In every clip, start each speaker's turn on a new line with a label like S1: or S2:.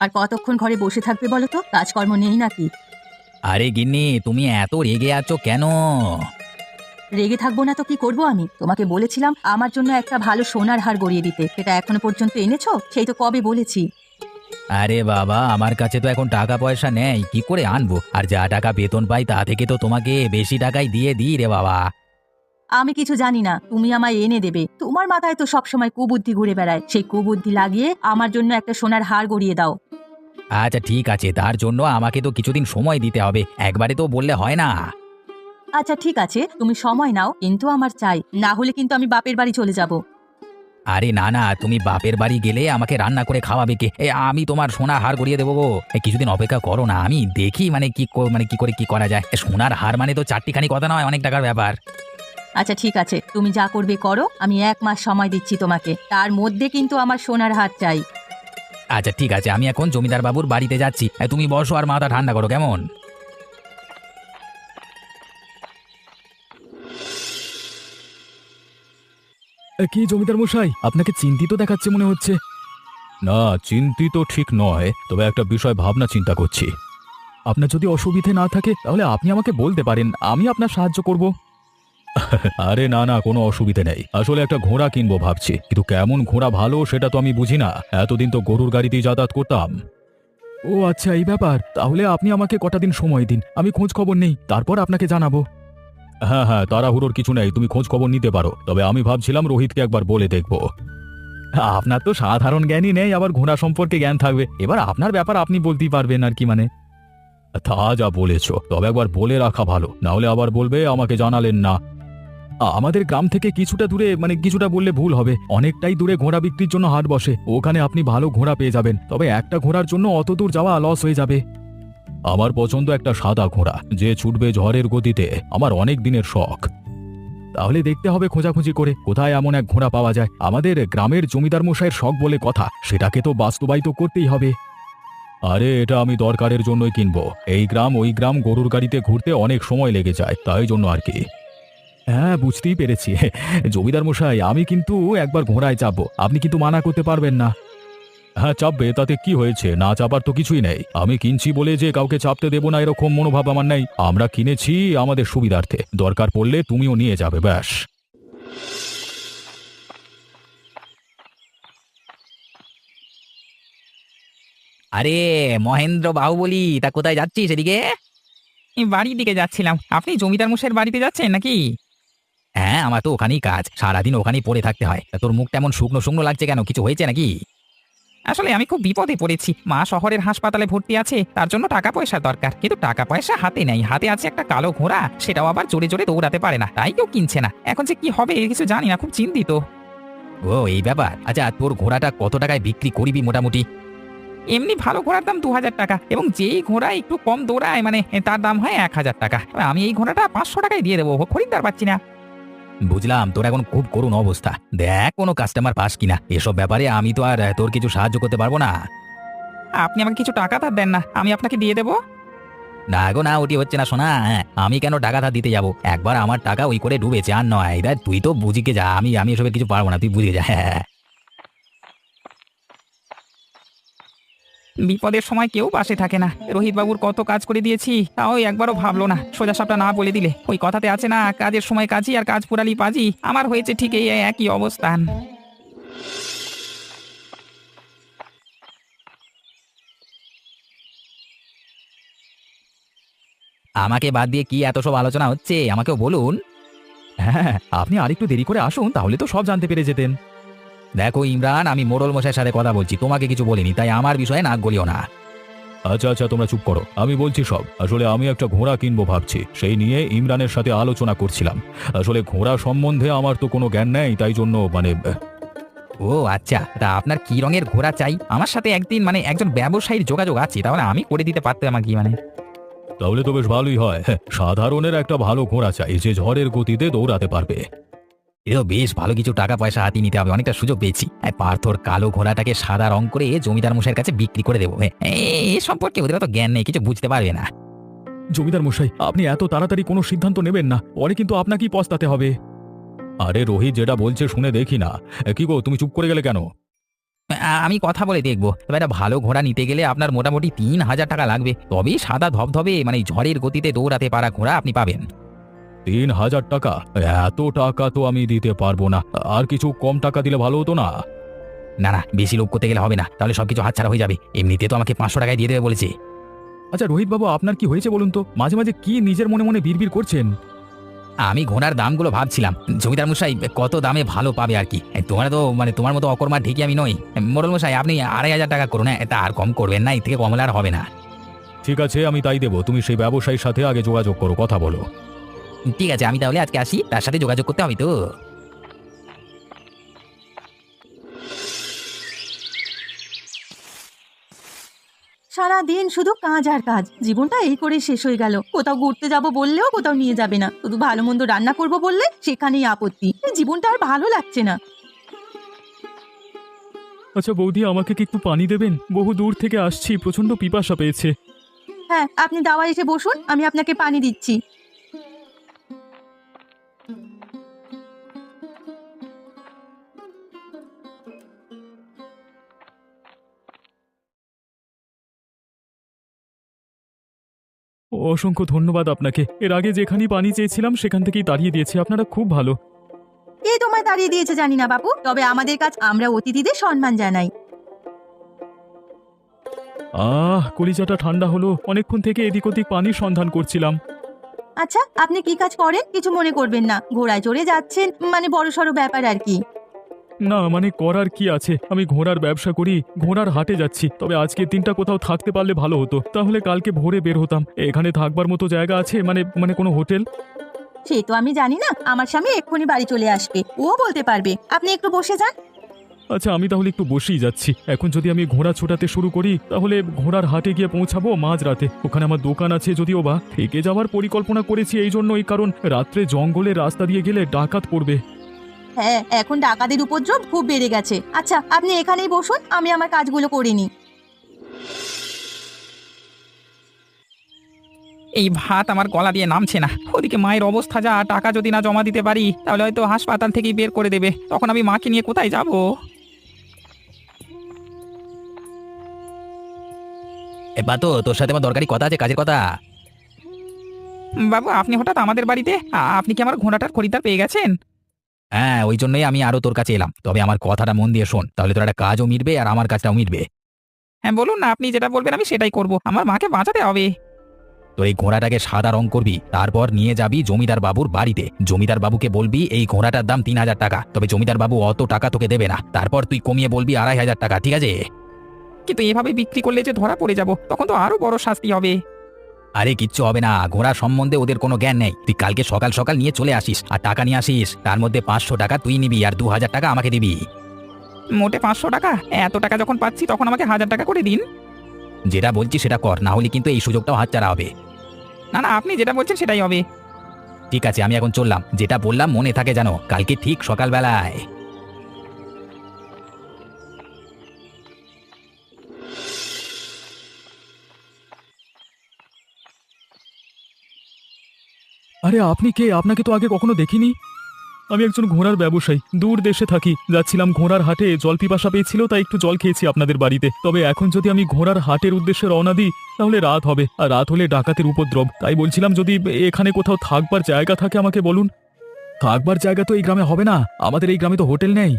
S1: আর কতক্ষণ ঘরে বসে থাকবে বলো তো? কাজকর্ম নেই নাকি?
S2: আরে গিন্নি, তুমি এত রেগে আছো কেন?
S1: রেগে থাকবো না তো কি করব আমি? তোমাকে বলেছিলাম আমার জন্য একটা ভালো সোনার হার গড়িয়ে দিতে, সেটা এখনো পর্যন্ত এনেছো? সেই তো কবে বলেছি।
S2: আরে বাবা, আমার কাছে তো এখন টাকা পয়সা নেই, কি করে আনবো? আর যা টাকা বেতন পাই তা থেকে তো তোমাকে বেশি টাকাই দিয়ে দিই রে বাবা।
S1: আমি কিছু জানি না, তুমি আমায় এনে দেবে। তোমার মাথায় তো সবসময় কুবুদ্ধি ঘুরে বেড়ায়, সেই কুবুদ্ধি লাগিয়ে আমার জন্য একটা সোনার হার গড়িয়ে দাও।
S2: আচ্ছা ঠিক আছে, তার জন্য আমাকে তো কিছুদিন সময় দিতে হবে, একবারে তো বললে হয় না।
S1: আচ্ছা ঠিক আছে, তুমি সময় নাও, কিন্তু আমার চাই, না হলে কিন্তু আমি বাপের বাড়ি চলে যাব।
S2: আরে না না, তুমি বাপের বাড়ি গেলে আমাকে রান্না করে খাওয়াবে কে? আমি তোমার সোনার হার গড়িয়ে দেবো গো। কিছুদিন অপেক্ষা করো না, আমি দেখি মানে মানে কি করে কি করা যায়। সোনার হার মানে তো চারটিখানি কথা নয়, অনেক টাকার ব্যাপার।
S1: আচ্ছা ঠিক আছে, তুমি যা করবে করো, আমি 1 মাস সময় দিচ্ছি তোমাকে, তার মধ্যে কিন্তু আমার সোনার হার চাই।
S2: আচ্ছা ঠিক আছে, আমি এখন জমিদার বাবুর বাড়িতে যাচ্ছি, তুমি বসো আর মাথা ঠান্ডা করো, কেমন?
S3: কি জমিদার মশাই, আপনাকে চিন্তিত দেখাচ্ছে মনে হচ্ছে। না, চিন্তিত ঠিক নয়, তবে একটা বিষয় ভাবনা চিন্তা করছি। আপনার যদি অসুবিধে না থাকে তাহলে আপনি আমাকে বলতে পারেন, আমি আপনার সাহায্য করব। আরে না না, কোনো অসুবিধে নেই। আসলে একটা ঘোড়া কিনবো ভাবছি, কিন্তু কেমন ঘোড়া ভালো সেটা তো আমি বুঝি না। এতদিন তো গরুর গাড়িতেই যাতায়াত করতাম। ও আচ্ছা, এই ব্যাপার। তাহলে আপনি আমাকে কটা দিন সময় দিন, আমি খোঁজ খবর নেই, তারপর আপনাকে জানাবো। হ্যাঁ হ্যাঁ, তাড়াহুড়োর কিছু নেই, তুমি খোঁজ খবর নিতে পারো। তবে আমি ভাবছিলাম রোহিতকে একবার বলে দেখব। আপনার তো সাধারণ জ্ঞানই নেই, আবার ঘোড়া সম্পর্কে জ্ঞান থাকবে। এবার আপনার ব্যাপার, আপনি বলতেই পারবেন আর কি মানে। তা যা বলেছ, তবে একবার বলে রাখা ভালো, না হলে আবার বলবে আমাকে জানালেন না। আমাদের গ্রাম থেকে কিছুটা দূরে, মানে কিছুটা বললে ভুল হবে, অনেকটাই দূরে ঘোড়া বিক্রির জন্য হাট বসে। ওখানে আপনি ভালো ঘোড়া পেয়ে যাবেন, তবে একটা ঘোড়ার জন্য অত দূর যাওয়া লস হয়ে যাবে। আমার পছন্দ একটা সাদা ঘোড়া, যে ছুটবে ঝড়ের গতিতে, আমার অনেক দিনের শখ। তাহলে দেখতে হবে খোঁজাখুঁজি করে কোথায় এমন এক ঘোড়া পাওয়া যায়। আমাদের গ্রামের জমিদার মশাইয়ের শখ বলে কথা, সেটাকে তো বাস্তবায়িত করতেই হবে। আরে এটা আমি দরকারের জন্যই কিনবো। এই গ্রাম ওই গ্রাম গরুর গাড়িতে ঘুরতে অনেক সময় লেগে যায়, তাই জন্য আর কি। হ্যাঁ, বুঝতেই পেরেছি। জমিদার মশাই, আমি কিন্তু একবার ঘোড়ায় চাপবো, আপনি কিন্তু মানা করতে পারবেন না। হ্যাঁ চাপবে, তাতে কি হয়েছে? না চাপার তো কিছুই নেই। আমি কিনছি বলে যে কাউকে চাপতে দেবো না এরকম মনোভাব আমার নেই। আমরা কিনেছি আমাদের সুবিধার্থে, দরকার পড়লে তুমিও নিয়ে যাবে, ব্যাস।
S2: আরে মহেন্দ্র বাহুবলী, তা কোথায় যাচ্ছিস এদিকে?
S4: এই বাড়ির দিকে যাচ্ছিলাম। আপনি জমিদার মশাইয়ের বাড়িতে যাচ্ছেন নাকি?
S2: হ্যাঁ, আমার তো ওখানেই কাজ, সারাদিন ওখানেই পড়ে থাকতে হয়। তা তোর মুখটা এমন শুকনো শুকনো লাগছে কেন? কিছু হয়েছে নাকি?
S4: আসলে আমি খুব বিপদে পড়েছি। মা শহরের হাসপাতালে ভর্তি আছে, তার জন্য টাকা পয়সা দরকার। কিন্তু টাকা পয়সা হাতে নেই। হাতে আছে একটা কালো ঘোড়া, সেটাও আবার জোরে জোরে দৌড়াতে পারে না, তাই কেউ কিনছে না। এখন যে কি হবে কিছু জানি না, খুব চিন্তিত।
S2: ও এই ব্যাপার। আচ্ছা, তোর ঘোড়াটা কত টাকায় বিক্রি করবি মোটামুটি?
S4: এমনি ভালো ঘোড়ার দাম 2000 টাকা, এবং যেই ঘোড়া একটু কম দৌড়ায় মানে তার দাম হয় 1000 টাকা। এবার আমি এই ঘোড়াটা 500 টাকায় দিয়ে দেবো, খরিদ্দার পাচ্ছি না।
S2: বুঝলাম, তোর এখন খুব করুণ অবস্থা। দেখ কোনো কাস্টমার পাস কিনা, এসব ব্যাপারে আমি তো আর তোর কিছু সাহায্য করতে পারবো না।
S4: আপনি আমাকে কিছু টাকা ধার দেন না, আমি আপনাকে দিয়ে দেবো।
S2: না গো না, ওটি হচ্ছে না শোনা। আমি কেন টাকা ধার দিতে যাব? একবার আমার টাকা ওই করে ডুবেছে, আর নয়। দেখ তুই তো বুঝিকে যা, আমি আমি এসবে কিছু পারবো না, তুই বুঝিয়ে যা। হ্যাঁ।
S4: বিপদের সময় কেউ পাশে থাকে না। রোহিত বাবুর কত কাজ করে দিয়েছি, তাও একবারও ভাবলো না। সোজা সাপটা না বলে দিলে, ওই কথাতে আছে না, কাজের সময় কাজী আর কাজ ফুরালি পাজি। আমার হয়েছে ঠিক এই একই অবস্থান।
S2: আমাকে বাদ দিয়ে কি এত সব আলোচনা হচ্ছে, আমাকেও বলুন।
S3: হ্যাঁ, আপনি আরেকটু দেরি করে আসুন, তাহলে তো সব জানতে পেরে যেতেন।
S2: দেখো ইমরান, আমি মোড়ল মশাইয়ের সাথে কথা বলছি, তোমাকে কিছু বলিনি, তাই আমার বিষয়ে নাক গলিও না।
S3: আচ্ছা আচ্ছা, তোমরা চুপ করো, আমি বলছি সব। আসলে আমি একটা ঘোড়া কিনবো ভাবছি, সেই নিয়ে ইমরানের সাথে আলোচনা করছিলাম। আসলে ঘোড়া সম্বন্ধে আমার তো কোনো জ্ঞান নেই, তাই জন্য মানে।
S2: ও আচ্ছা, তা আপনার কি রঙের ঘোড়া চাই? আমার সাথে একদিন মানে একজন ব্যবসায়ীর যোগাযোগ আছে, তাহলে আমি করে দিতে পারতাম আমাকে মানে।
S3: তাহলে তো বেশ ভালোই হয়। হ্যাঁ, সাধারণের একটা ভালো ঘোড়া চাই, যে ঝড়ের গতিতে দৌড়াতে পারবে।
S2: এও বেশ ভালো কিছু টাকা পয়সা হাতিয়ে নিতে হবে, অনেকটা সুযোগ পেয়েছি। পার্থর কালো ঘোড়াটাকে সাদা রং করে জমিদার মশাইয়ের কাছে বিক্রি করে দেবো। এ সম্পর্কে ওদের তো জ্ঞান নেই, কিছু বুঝতে পারবে না।
S3: জমিদার মশাই, আপনি এত তাড়াতাড়ি কোনো সিদ্ধান্ত নেবেন না, পরে কিন্তু আপনাকেই পস্তাতে হবে। আরে রোহিত যেটা বলছে শুনে দেখি না। কি গো, তুমি চুপ করে গেলে কেন?
S2: আমি কথা বলে দেখবো, তবে একটা ভালো ঘোড়া নিতে গেলে আপনার মোটামুটি 3,000 টাকা লাগবে, তবেই সাদা ধবধবে মানে ঝড়ের গতিতে দৌড়াতে পারা ঘোড়া আপনি পাবেন।
S3: 3,000 টাকা? এত টাকা তো আমি দিতে পারবো না। আর কিছু কম টাকা দিলে ভালো হতো না?
S2: না না, বেশি লোভ করতে গেলে হবে না, তাহলে সবকিছু হাতছাড়া হয়ে যাবে। এমনিতে তো আমাকে 500 টাকায় দিয়ে দেবে বলেছে।
S3: আচ্ছা রোহিত বাবু, আপনার কি হয়েছে বলুন তো? মাঝে মাঝে কি নিজের মনে মনে বিড়বিড় করছেন?
S2: আমি ঘোড়ার দামগুলো ভাবছিলাম, জমিদার মশাই কত দামে ভালো পাবে আর কি। তোমার তো মানে তোমার মতো অকর্মার ঠিকই আমি নই। মোড়ল মশাই আপনি 2,500 টাকা করুন, হ্যাঁ, তা আর কম করবেন না, এর থেকে কম হলে আর হবে না।
S3: ঠিক আছে, আমি তাই দেবো। তুমি সেই ব্যবসায়ীর সাথে আগে যোগাযোগ করো, কথা বলো।
S2: ঠিক আছে, আমি তাহলে আজকে আসি, তার সাথে যোগাযোগ করতে হবে তো।
S1: সারা দিন শুধু কাজ আর কাজ, জীবনটা এই করে শেষ হয়ে গেল। কোথাও ঘুরতে যাব বললেও কোথাও নিয়ে যাবে না, শুধু ভালো মন্দ রান্না করব বললে সেখানেই আপত্তি। এই জীবনটা আর ভালো লাগছে না।
S3: আচ্ছা বৌদি, আমাকে কি একটু পানি দেবেন? বহু দূর থেকে আসছি, প্রচন্ড পিপাসা পেয়েছে।
S1: হ্যাঁ, আপনি দাওয়ায় এসে বসুন, আমি আপনাকে পানি দিচ্ছি।
S3: অসংখ্য ধন্যবাদ আপনাকে। এর আগে যেখানেই পানি চেয়েছিলাম সেখান থেকেই তাড়িয়ে দিয়েছে। আপনারা খুব ভালো।
S1: কে তোমায় দাঁড়িয়ে দিয়েছে জানি না বাবু, তবে আমাদের কাজ আমরা অতিথিদের সম্মান জানাই।
S3: কলিজাটা ঠান্ডা হলো। অনেকক্ষণ থেকে এদিক ওদিক পানির সন্ধান করছিলাম।
S1: আচ্ছা, আপনি কি কাজ করেন? কিছু মনে করবেন না, ঘোড়ায় চড়ে যাচ্ছেন মানে বড়সড় ব্যাপার আর কি।
S3: না মানে করার কি আছে, আমি ঘোড়ার ব্যবসা করি, ঘোড়ার হাটে যাচ্ছি। তবে আজকের দিনটা কোথাও থাকতে পারলে ভালো হতো, তাহলে কালকে ভোরে বের হতাম। এখানে থাকবার মতো জায়গা আছে? মানে মানে কোনো হোটেল?
S1: সে তো আমি জানি না, আমার স্বামী এক্ষুনি বাড়ি চলে আসবে, ও বলতে পারবে। আপনি একটু বসে যান।
S3: আচ্ছা আমি তাহলে একটু বসেই যাচ্ছি। এখন যদি আমি ঘোড়া ছোটাতে শুরু করি তাহলে ঘোড়ার হাটে গিয়ে পৌঁছাবো মাঝরাতে। ওখানে আমার দোকান আছে, যদিও বা থেকে যাওয়ার পরিকল্পনা করেছি এই জন্যই, কারণ রাত্রে জঙ্গলের রাস্তা দিয়ে গেলে ডাকাত পড়বে।
S1: হ্যাঁ, এখন ডাকাতের উপদ্রব খুব বেড়ে গেছে। আচ্ছা, আপনি এখানেই বসুন, আমি আমার কাজগুলো করে নিই।
S4: এই ভাত আমার গলা দিয়ে নামছে না। ওদিকে মায়ের অবস্থা যা, টাকা যদি না জমা দিতে পারি তাহলে হয়তো হাসপাতাল থেকেই বের করে দেবে। তখন আমি মাকে নিয়ে কোথায় যাব?
S2: এবার তো তোর সাথে আমার দরকারি কথা আছে, কাজের কথা।
S4: বাবু, আপনি হঠাৎ আমাদের বাড়িতে? আপনি কি আমার ঘোড়াটার খরিদ্দার পেয়ে গেছেন?
S2: হ্যাঁ, ওই জন্যই আমি আরো তোর কাছে এলাম। তবে আমার কথাটা মন দিয়ে শোন, তাহলে তোর একটা কাজও মিটবে আর আমার কাজটাও মিটবে।
S4: হ্যাঁ বলুন না, আপনি যেটা বলবেন আমি সেটাই করব। আমার মাকে বাঁচাতে হবে।
S2: তোর এই ঘোড়াটাকে সাদা রং করবি, তারপর নিয়ে যাবি জমিদার বাবুর বাড়িতে। জমিদার বাবুকে বলবি এই ঘোড়াটার দাম 3,000 টাকা, তবে জমিদার বাবু অত টাকা তোকে দেবে না। তারপর তুই কমিয়ে বলবি 2,500 টাকা, ঠিক আছে?
S4: কিন্তু এভাবে বিক্রি করলে যে ধরা পড়ে যাব, তখন তো আরো বড় শাস্তি হবে।
S2: আরে কিচ্ছু হবে না, ঘোড়া সম্বন্ধে ওদের কোনো জ্ঞান নেই। তুই কালকে সকাল সকাল নিয়ে চলে আসিস আর টাকা নিয়ে আসিস। তার মধ্যে 500 টাকা তুই নিবি আর 2,000 টাকা আমাকে দিবি।
S4: মোটে 500 টাকা? এত টাকা যখন পাচ্ছি তখন আমাকে 1,000 টাকা করে দিন।
S2: যেটা বলছি সেটা কর, না হলে কিন্তু এই সুযোগটাও হাতছাড়া হবে।
S4: না না, আপনি যেটা বলছেন সেটাই হবে।
S2: ঠিক আছে, আমি এখন চললাম। যেটা বললাম মনে থাকে জানো, কালকে ঠিক সকালবেলায়।
S3: আরে আপনি কে? আপনাকে তো আগে কখনো দেখিনি। আমি একজন ঘোড়ার ব্যবসায়ী, দূর দেশে থাকি। যাচ্ছিলাম ঘোড়ার হাটে, জল পিপাসা পেয়েছিল তাই একটু জল খেয়েছি আপনাদের বাড়িতে। তবে এখন যদি আমি ঘোড়ার হাটের উদ্দেশ্যে রওনা দিই তাহলে রাত হবে, আর রাত হলে ডাকাতের উপদ্রব। তাই বলছিলাম যদি এখানে কোথাও থাকবার জায়গা থাকে আমাকে বলুন। থাকবার জায়গা তো এই গ্রামে হবে না, আমাদের এই গ্রামে তো হোটেল নেই।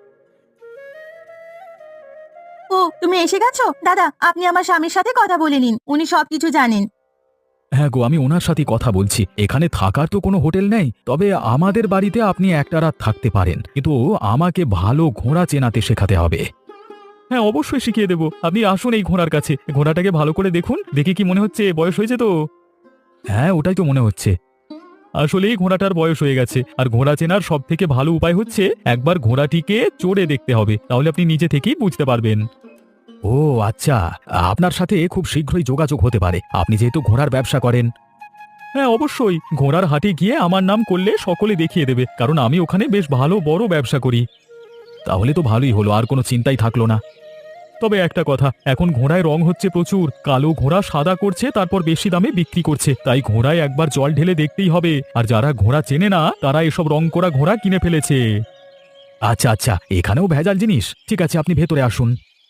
S1: ও, তুমি এসে গেছো? দাদা, আপনি আমার স্বামীর সাথে কথা বলে নিন, উনি সবকিছু জানেন।
S3: হ্যাঁ গো, আমি ওনার সাথে কথা বলছি। এখানে থাকার তো কোনো হোটেল নেই, তবে আমাদের বাড়িতে আপনি একটা রাত থাকতে পারেন, কিন্তু আমাকে ভালো ঘোড়া চেনাতে শেখাতে হবে। হ্যাঁ অবশ্যই শিখিয়ে দেবো। আপনি আসুন এই ঘোড়ার কাছে, ঘোড়াটাকে ভালো করে দেখুন। দেখে কি মনে হচ্ছে বয়স হয়েছে তো? হ্যাঁ ওটাই তো মনে হচ্ছে। আসলেই ঘোড়াটার বয়স হয়ে গেছে। আর ঘোড়া চেনার সব থেকে ভালো উপায় হচ্ছে একবার ঘোড়াটিকে চড়ে দেখতে হবে, তাহলে আপনি নিজে থেকেই বুঝতে পারবেন। ও আচ্ছা, আপনার সাথে খুব শীঘ্রই যোগাযোগ হতে পারে, আপনি যেহেতু ঘোড়ার ব্যবসা করেন। হ্যাঁ অবশ্যই, ঘোড়ার হাটে গিয়ে আমার নাম করলে সকলে দেখিয়ে দেবে, কারণ আমি ওখানে বেশ ভালো বড় ব্যবসা করি। তাহলে তো ভালোই হলো, আর কোনো চিন্তাই থাকলো না। তবে একটা কথা, এখন ঘোড়ায় রং হচ্ছে প্রচুর। কালো ঘোড়া সাদা করছে, তারপর বেশি দামে বিক্রি করছে। তাই ঘোড়ায় একবার জল ঢেলে দেখতেই হবে। আর যারা ঘোড়া চেনে না তারা এসব রং করা ঘোড়া কিনে ফেলেছে। আচ্ছা আচ্ছা, এখানেও ভেজাল জিনিস। ঠিক আছে, আপনি ভেতরে আসুন।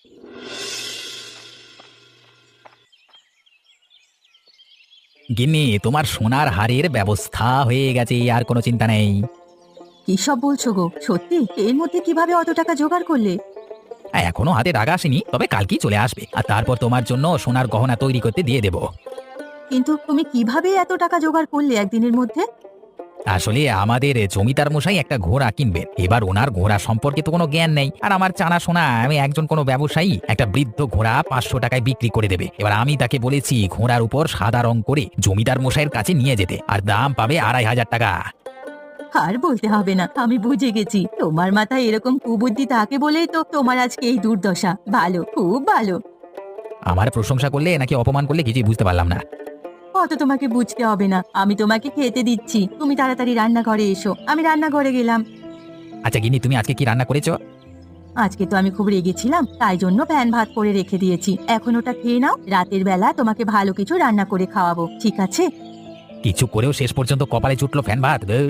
S2: গিন্নি, তোমার সোনার হারের ব্যবস্থা হয়ে গেছে, আর কোনো চিন্তা নেই।
S1: কি সব বলছো গো? সত্যি? এর মধ্যে কিভাবে অত টাকা জোগাড় করলে?
S2: এখনো হাতে টাকা আসেনি, তবে কালকেই চলে আসবে, আর তারপর তোমার জন্য সোনার গহনা তৈরি করতে দিয়ে দেবো।
S1: কিন্তু তুমি কিভাবে এত টাকা জোগাড় করলে একদিনের মধ্যে?
S2: আসলে আমাদের জমিদার মশাই একটা ঘোড়া কিনবেন, এবার ওনার ঘোড়া সম্পর্কে তো কোনো জ্ঞান নেই, আর আমার জানা শোনা আমি একজন কোনো ব্যবসায়ী একটা বৃদ্ধ ঘোড়া 500 টাকায় বিক্রি করে দেবে। এবার আমি তাকে বলেছি ঘোড়ার উপর সাদা রং করে জমিদার মশাইয়ের কাছে নিয়ে যেতে, আর দাম পাবে 2500 টাকা।
S1: আর বলতে হবে না, আমি বুঝে গেছি তোমার মাথায় এরকম কুবুদ্ধি থাকে বলেই তো তোমার আজকে এই দুর্দশা। ভালো, খুব ভালো।
S2: আমার প্রশংসা করলে নাকি অপমান করলে কিছুই বুঝতে পারলাম না।
S1: অত তোমাকে বুঝতে হবে না, আমি তোমাকে খেতে দিচ্ছি। তুমি তাড়াতাড়ি রান্নাঘরে এসো। আমি রান্নাঘরে গেলাম।
S2: আচ্ছা গিন্নি, তুমি আজকে কি রান্না করেছো?
S1: আজকে তো আমি খুব রেগেছিলাম, তাই জন্য প্যান ভাত করে রেখে দিয়েছি। এখন ওটা খেয়ে নাও, রাতের বেলা তোমাকে ভালো কিছু রান্না করে খাওয়াবো, ঠিক আছে?
S2: কিছু করেও শেষ পর্যন্ত কপালে জুটলো ফ্যান ভাত। ধুর।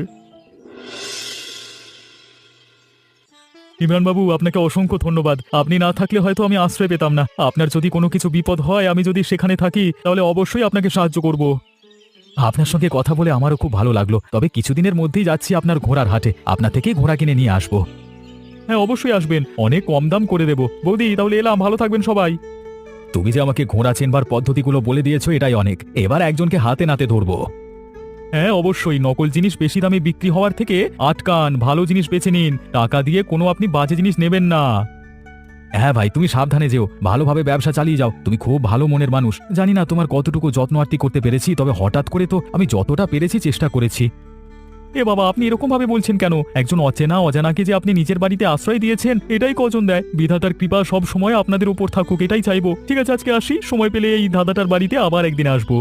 S3: ইমরান বাবু, আপনাকে অসংখ্য ধন্যবাদ। আপনি না থাকলে হয়তো আমি আশ্রয় পেতাম না। আপনার যদি কোনো কিছু বিপদ হয়, আমি যদি সেখানে থাকি, তাহলে অবশ্যই আপনাকে সাহায্য করব। আপনার সঙ্গে কথা বলে আমারও খুব ভালো লাগলো। তবে কিছুদিনের মধ্যেই যাচ্ছি আপনার ঘোড়ার হাটে, আপনার থেকেই ঘোড়া কিনে নিয়ে আসবো। হ্যাঁ, অবশ্যই আসবেন, অনেক কম দাম করে দেবো। বৌদি, তাহলে এলাম, ভালো থাকবেন সবাই। তুমি যে আমাকে ঘোড়া চেনবার পদ্ধতিগুলো বলে দিয়েছো, এটাই অনেক। এবার একজনকে হাতে নাতে ধরবো। হ্যাঁ অবশ্যই, নকল জিনিস বেশি দামে বিক্রি হওয়ার থেকে আটকান, ভালো জিনিস বেছে নিন। টাকা দিয়ে কোনো আপনি বাজে জিনিস নেবেন না। হ্যাঁ ভাই, তুমি সাবধানে যেও, ভালোভাবে ব্যবসা চালিয়ে যাও। তুমি খুব ভালো মনের মানুষ। জানি না তোমার কতটুকু যত্ন আত্তি করতে পেরেছি, তবে হঠাৎ করে তো আমি যতটা পেরেছি চেষ্টা করেছি। এ বাবা, আপনি এরকম ভাবে বলছেন কেন? একজন অচেনা অজানাকে যে আপনি নিজের বাড়িতে আশ্রয় দিয়েছেন, এটাই কজন দেয়। বিধাতার কৃপা সব সময় আপনাদের উপর থাকুক, এটাই চাইবো। ঠিক আছে, আজকে আসি, সময় পেলে এই দাদাটার বাড়িতে আবার একদিন আসবো।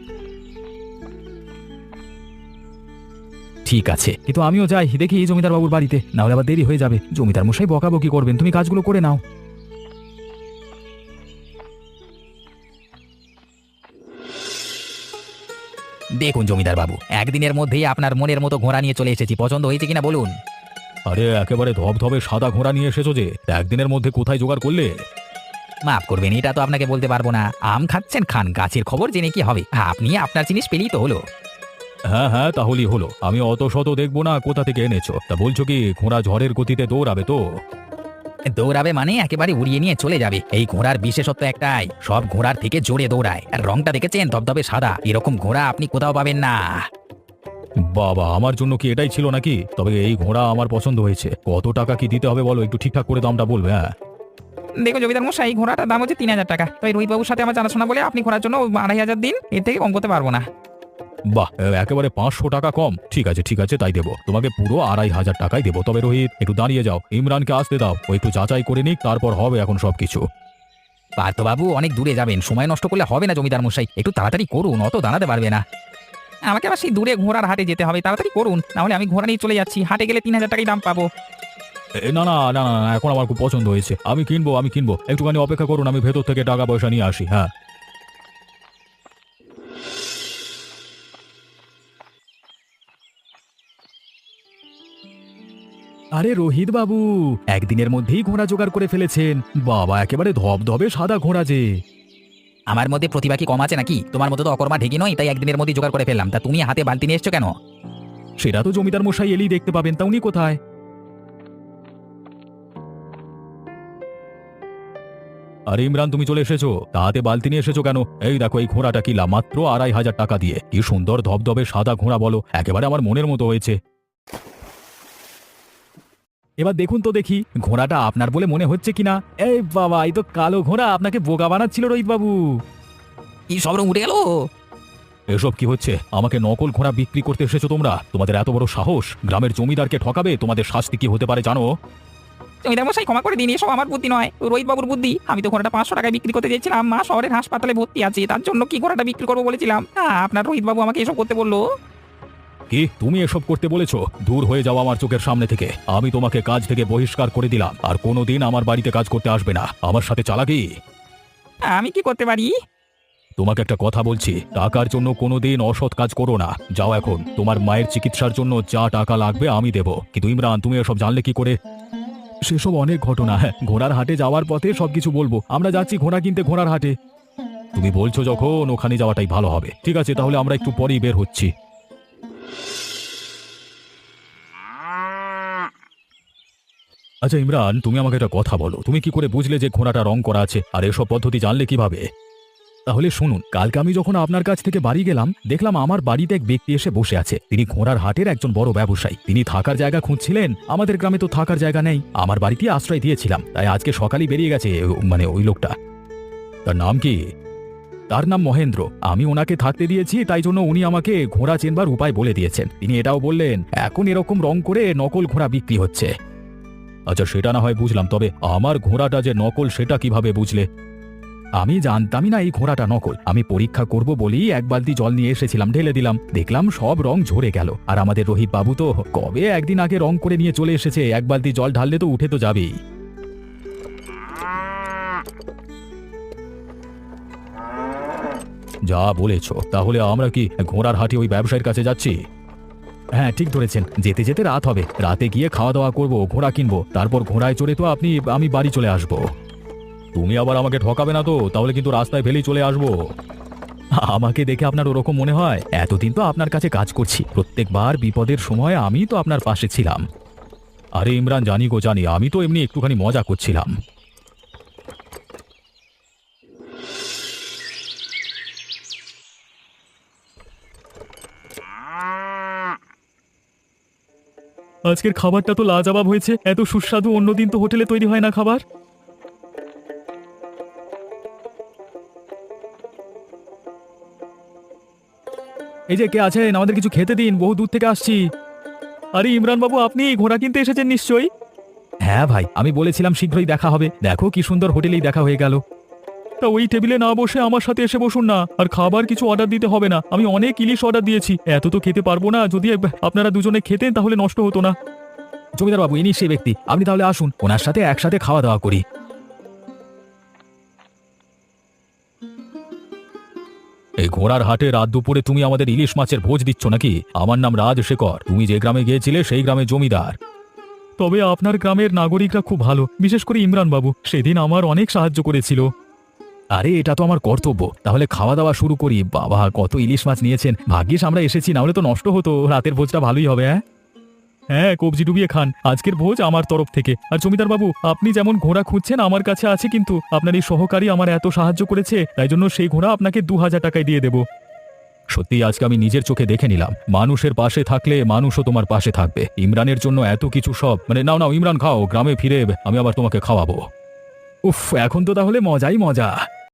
S3: ঠিক আছে, কিন্তু আমিও যাই দেখি জমিদার বাবুর বাড়িতে, না হলে আবার দেরি হয়ে যাবে। জমিদার মশাই বকাবকি করবেন। তুমি কাজগুলো করে নাও।
S2: দেখুন জমিদার বাবু, একদিনের মধ্যেই আপনার মনের মতো ঘোড়া নিয়ে চলে এসেছি। পছন্দ হয়েছে কিনা বলুন?
S3: আরে একেবারে ধবধবে সাদা ঘোড়া নিয়ে এসেছো যে, তা একদিনের মধ্যে কোথায় জোগাড় করলে?
S2: মাফ করবেন, এটা তো আপনাকে বলতে পারবো না। আম খাচ্ছেন খান, গাছের খবর জেনে কি হবে? আপনি আপনার জিনিস পেলেই তো হলো।
S3: হ্যাঁ হ্যাঁ, তাহলেই হলো। আমি অত শত দেখবো না কোথা থেকে এনেছো। তা বলছো কি ঘোড়া ঝড়ের গতিতে দৌড়াবে তো?
S2: দৌড়াবে মানে একেবারে উড়িয়ে নিয়ে চলে যাবে। এই ঘোড়ার বিশেষত্ব একটাই, সব ঘোড়ার থেকে জোরে দৌড়ায়। আর রংটা দেখেছেন, ধবধবে সাদা। এরকম ঘোড়া আপনি কোথাও পাবেন না।
S3: বাবা, আমার জন্য কি এটাই ছিল নাকি? তবে এই ঘোড়া আমার পছন্দ হয়েছে। কত টাকা কি দিতে হবে বলো, একটু ঠিকঠাক করে দামটা বলবে। হ্যাঁ
S4: দেখো জমিদার মশাই, ঘোড়াটার দাম হচ্ছে 3000 টাকা। তাই রোহিত বাবুর সাথে আমার জানাশোনা বলে আপনি ঘোড়ার জন্য 2500 দিন, এর থেকে কম করতে পারবো না।
S3: বাহ, একেবারে 500 টাকা কম। ঠিক আছে ঠিক আছে, তাই দেবো। তোমাকে পুরো 2500 টাকাই দেবো। তবে রোহিত, একটু দাঁড়িয়ে যাও, ইমরানকে আসতে দাও। ও একটু যাচাই করে নিক, তারপর হবে এখন সবকিছু।
S2: পার্থবাবু, অনেক দূরে যাবেন, সময় নষ্ট করলে হবে না জমিদার মশাই। একটু তাড়াতাড়ি করুন, অত দাঁড়াতে পারবে না।
S4: আমাকে আবার সেই দূরে ঘোড়ার হাটে যেতে হবে, তাড়াতাড়ি করুন, নাহলে আমি ঘোড়া নিয়ে চলে যাচ্ছি। হাটে গেলে 3000 টাকাই দাম পাবো।
S3: না না না না না, এখন আমার খুব পছন্দ হয়েছে। আমি কিনবো। একটুখানি অপেক্ষা করুন, আমি ভেতর থেকে টাকা পয়সা নিয়ে আসি। হ্যাঁ আরে রোহিত বাবু, একদিনের মধ্যেই ঘোড়া জোগাড় করে ফেলেছেন। বাবা, একেবারে ধবধবে সাদা ঘোড়া যে।
S2: আমার মধ্যে প্রতিভা কি কম আছে নাকি? তোমার মতো তো অকর্মা ঢেকি নয়, তাই একদিনের মধ্যে জোগাড় করে ফেললাম। তা তুমি হাতে বালতি নিয়ে এসছো কেন?
S3: সেটা তো জমিদার মশাই এলেই দেখতে পাবেন। তা উনি কোথায়? আরে ইমরান, তুমি চলে এসেছো? তা হাতে বালতি নিয়ে এসেছো কেন? এই দেখো, এই ঘোড়াটা কিনলাম মাত্র 2500 টাকা দিয়ে। কি সুন্দর ধবধবে সাদা ঘোড়া বলো, একেবারে আমার মনের মতো হয়েছে। এবার দেখুন তো দেখি, ঘোড়াটা আপনার বলে মনে হচ্ছে কিনা। এই বাবা, এই তো কালো ঘোড়া। আপনাকে বোকা বানাচ্ছিল রোহিত বাবু।
S2: কি সব রং উঠে গেল?
S3: এসব কি হচ্ছে? আমাকে নকল ঘোড়া বিক্রি করতে এসেছো তোমরা? তোমাদের এত বড় সাহস! গ্রামের জমিদারকে ঠকাবে? তোমাদের শাস্তি কি হতে পারে জানো?
S4: জমিদার মশাই ক্ষমা করে দিন, এসব আমার বুদ্ধি নয়, রোহিত বাবুর বুদ্ধি। আমি তো ঘোড়াটা 500 টাকায় বিক্রি করতে চেয়েছিলাম। মা শহরের হাসপাতালে ভর্তি আছে, তার জন্য কি ঘোড়াটা বিক্রি করবো বলেছিলাম। আপনার রোহিত বাবু আমাকে এসব করতে বললো।
S3: কি তুমি এসব করতে বলেছো? দূর হয়ে যাও আমার চোখের সামনে থেকে। আমি তোমাকে কাজ থেকে বহিষ্কার করে দিলাম। আর কোনোদিন আমার বাড়িতে কাজ করতে আসবে না। আমার সাথে চালাকি?
S4: আমি কি করতে পারি?
S3: তোমাকে একটা কথা বলছি, টাকার জন্য কোনোদিন অসৎ কাজ করো না। যাও এখন। তোমার মায়ের চিকিৎসার জন্য যা টাকা লাগবে আমি দেবো। কিন্তু ইমরান, তুমি এসব জানলে কি করে? সেসব অনেক ঘটনা। ঘোড়ার হাটে যাওয়ার পথে সবকিছু বলবো। আমরা যাচ্ছি ঘোড়া কিনতে ঘোড়ার হাটে। তুমি বলছো যখন ওখানে যাওয়াটাই ভালো হবে। ঠিক আছে, তাহলে আমরা একটু পরেই বের হচ্ছি। আচ্ছা ইমরান, তুমি আমাকে একটা কথা বলো, তুমি কি করে বুঝলে যে ঘোড়াটা রং করা আছে, আর এসব পদ্ধতি জানলে কিভাবে? তাহলে শুনুন, কালকে আমি যখন আপনার কাছ থেকে বাড়ি গেলাম, দেখলাম আমার বাড়িতে এক ব্যক্তি এসে বসে আছে। তিনি ঘোড়ার হাটের একজন বড় ব্যবসায়ী। তিনি থাকার জায়গা খুঁজছিলেন। আমাদের গ্রামে তো থাকার জায়গা নেই, আমার বাড়িতে আশ্রয় দিয়েছিলাম। তাই আজকে সকালেই বেরিয়ে গেছে মানে ওই লোকটা। তার নাম কি? তার নাম মহেন্দ্র। আমি ওনাকে থাকতে দিয়েছি, তাই জন্য উনি আমাকে ঘোড়া চেনবার উপায় বলে দিয়েছেন। তিনি এটাও বললেন এখন এরকম রং করে নকল ঘোড়া বিক্রি হচ্ছে। আচ্ছা সেটা না হয় বুঝলাম, তবে আমার ঘোড়াটা যে নকল সেটা কিভাবে বুঝলে? আমি জানতামই না এই ঘোড়াটা নকল। আমি পরীক্ষা করব বলেই এক বালতি জল নিয়ে এসেছিলাম, ঢেলে দিলাম, দেখলাম সব রং ঝরে গেল। আর আমাদের রোহিত বাবু তো কবে একদিন আগে রং করে নিয়ে চলে এসেছে, এক বালতি জল ঢাললে তো উঠে তো যাবেই। যা বলেছ, তাহলে আমরা কি ঘোড়ার হাটে ওই ব্যবসায়ীর কাছে যাচ্ছি? হ্যাঁ ঠিক ধরেছেন, যেতে যেতে রাত হবে। রাতে গিয়ে খাওয়া দাওয়া করব, ঘোড়া কিনবো, তারপর ঘোড়ায় চড়ে তো আমি বাড়ি চলে আসব। তুমি আবার আমাকে ঠকাবে না তো? তাহলে কিন্তু রাস্তায় ফেলেই চলে আসবো। আমাকে দেখে আপনার ওরকম মনে হয়? এতদিন তো আপনার কাছে কাজ করছি, প্রত্যেকবার বিপদের সময় আমি তো আপনার পাশে ছিলাম। আরে ইমরান, জানি গো জানি, আমি তো এমনি একটুখানি মজা করছিলাম। আজকের খাবারটা তো লাজবাব হয়েছে। এত সুস্বাদু অন্যদিন তো হোটেলে তৈরি হয় না খাবার। এই যে কে আছেন, আমাদের কিছু খেতে দিন, বহু দূর থেকে আসছি। আরে ইমরান বাবু, আপনি ঘোড়া কিনতে এসেছেন নিশ্চয়ই? হ্যাঁ ভাই, আমি বলেছিলাম শীঘ্রই দেখা হবে। দেখো কি সুন্দর হোটেলেই দেখা হয়ে গেল। তা ওই টেবিলে না বসে আমার সাথে এসে বসুন না। আর খাবার কিছু অর্ডার দিতে হবে না, আমি অনেক ইলিশ অর্ডার দিয়েছি। এত তো খেতে পারবো না, যদি আপনারা দুজনে খেতেন তাহলে নষ্ট হতো না। জমিদার বাবু, ইনি সেই ব্যক্তি। আপনি তাহলে আসুন, ওনার সাথে একসাথে খাওয়া দাওয়া করি। এই ঘোড়ার হাটে রাত দুপুরে তুমি আমাদের ইলিশ মাছের ভোজ দিচ্ছ নাকি? আমার নাম রাজশেখর, তুমি যে গ্রামে গিয়েছিলে সেই গ্রামে জমিদার। তবে আপনার গ্রামের নাগরিকরা খুব ভালো, বিশেষ করে ইমরান বাবু, সেদিন আমার অনেক সাহায্য করেছিল। আরে এটা তো আমার কর্তব্য। তাহলে খাওয়া দাওয়া শুরু করি। বাবা, কত ইলিশ মাছ নিয়েছেন! ভাগ্যিস আমরা এসেছি, না হলে তো নষ্ট হতো। রাতের ভোজটা ভালোই হবে। হ্যাঁ, কবজি ডুবিয়ে খান। আজকের ভোজ আমার তরফ থেকে। আর জমিদার বাবু, আপনি যেমন ঘোড়া খুঁজছেন আমার কাছে আছে, কিন্তু আপনার এই সহকারী আমার এত সাহায্য করেছে, তাই জন্য সেই ঘোড়া আপনাকে 2000 টাকায় দিয়ে দেব। সত্যি আজকে আমি নিজের চোখে দেখে নিলাম, মানুষের পাশে থাকলে মানুষও তোমার পাশে থাকবে। ইমরানের জন্য এত কিছু সব, মানে নাও নাও ইমরান খাও, গ্রামে ফিরে আমি আবার তোমাকে খাওয়াবো। উফ, এখন তো তাহলে মজাই মজা।